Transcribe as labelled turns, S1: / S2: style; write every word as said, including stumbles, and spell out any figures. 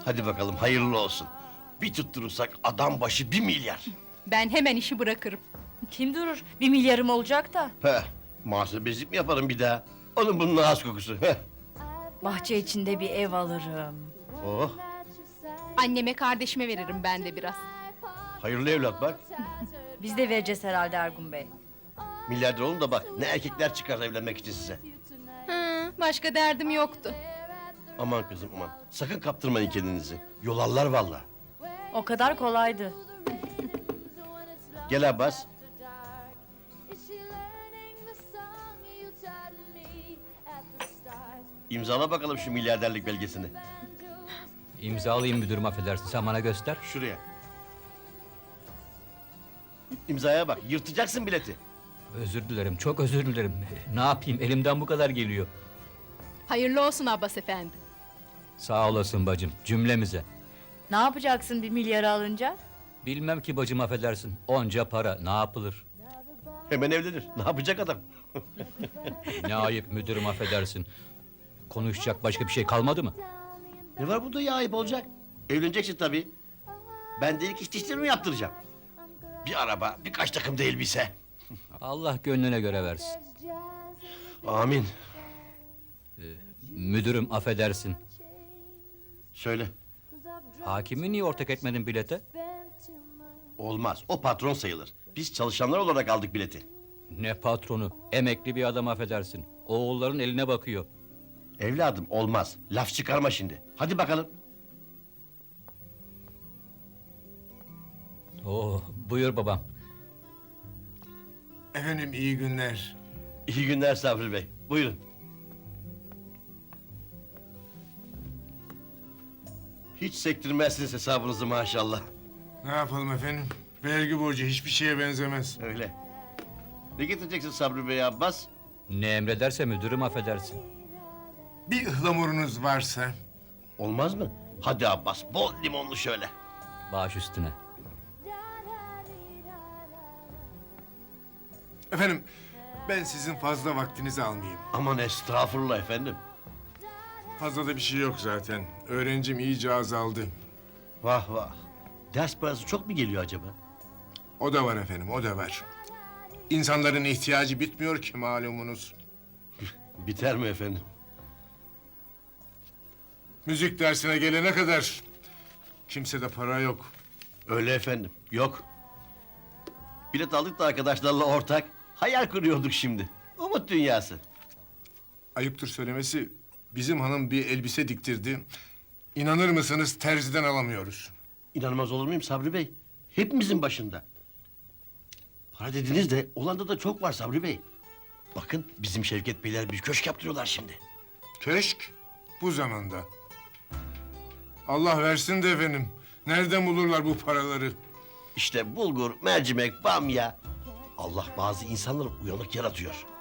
S1: Hadi bakalım hayırlı olsun. Bir tutturursak adam başı bir milyar.
S2: Ben hemen işi bırakırım.
S3: Kim durur? Bir milyarım olacak da.
S1: Heh, muhasebecilik mi yaparım bir daha? Onun bunun ağız kokusu. Heh.
S3: Bahçe içinde bir ev alırım.
S1: Oh,
S2: Anneme kardeşime veririm ben de biraz.
S1: hayırlı evlat bak.
S3: Biz de vereceğiz herhalde Ergun Bey.
S1: Milyarder olun da bak ne erkekler çıkar evlenmek için size.
S2: Hı, başka derdim yoktu.
S1: Aman kızım aman. Sakın kaptırmayın kendinizi. Yolarlar vallahi.
S3: O kadar kolaydı.
S1: Gel Abbas. İmzala bakalım şu milyarderlik belgesini.
S4: İmzalayayım müdürüm, affedersin, sen bana göster.
S1: Şuraya. İmzaya bak, yırtacaksın bileti.
S4: Özür dilerim, çok özür dilerim. Ne yapayım, elimden bu kadar geliyor.
S2: Hayırlı olsun Abbas efendi.
S4: Sağ olasın bacım, cümlemize.
S3: Ne yapacaksın bir milyarı alınca?
S4: Bilmem ki bacım, affedersin, onca para ne yapılır?
S1: Hemen evlenir. Ne yapacak adam?
S4: Ne ayıp müdürüm, affedersin. Konuşacak başka bir şey kalmadı mı?
S1: Ne var bunda ya ayıp olacak? Evleneceksin tabii. Ben de ilk iş dişlerimi yaptıracağım. Bir araba, birkaç takım da elbise.
S4: Allah gönlüne göre versin.
S1: Amin.
S4: Müdürüm, affedersin.
S1: Söyle.
S4: Hakimi niye ortak etmedin bilete?
S1: Olmaz, o patron sayılır. Biz çalışanlar olarak aldık bileti.
S4: Ne patronu, emekli bir adam, affedersin. Oğulların eline bakıyor.
S1: Evladım olmaz. Laf çıkarma şimdi. Hadi bakalım.
S4: Oo, buyur babam.
S5: Efendim iyi günler.
S1: İyi günler Sabri Bey. Buyurun. Hiç sektirmezsiniz hesabınızı maşallah.
S5: Ne yapalım efendim? Vergi borcu hiçbir şeye benzemez.
S1: Öyle. Ne getireceksin Sabri Bey Abbas?
S4: Ne emrederse müdürüm, affedersin.
S5: Bir ıhlamurunuz varsa.
S1: Olmaz mı? Hadi Abbas, bol limonlu şöyle.
S4: Baş üstüne.
S5: Efendim ben sizin fazla vaktinizi almayayım.
S1: Aman estağfurullah efendim.
S5: Fazla da bir şey yok zaten. Öğrencim iyice azaldı.
S1: Vah vah. Ders parası çok mu geliyor acaba?
S5: O da var efendim, o da var. İnsanların ihtiyacı bitmiyor ki malumunuz.
S1: Biter mi efendim?
S5: Müzik dersine gelene kadar kimsede para yok.
S1: Öyle efendim, yok. Bilet aldık da arkadaşlarla ortak. Hayal kuruyorduk şimdi. Umut dünyası.
S5: Ayıptır söylemesi, bizim hanım bir elbise diktirdi. İnanır mısınız terziden alamıyoruz.
S1: İnanmaz olur muyum Sabri Bey? Hepimizin başında. Para dediniz de Hollanda'da da çok var Sabri Bey. Bakın bizim Şevket Beyler bir köşk yaptırıyorlar şimdi.
S5: Köşk bu zamanda. Allah versin de efendim. Nereden bulurlar bu paraları?
S1: İşte bulgur, mercimek, bamya. Allah bazı insanları uyanık yaratıyor.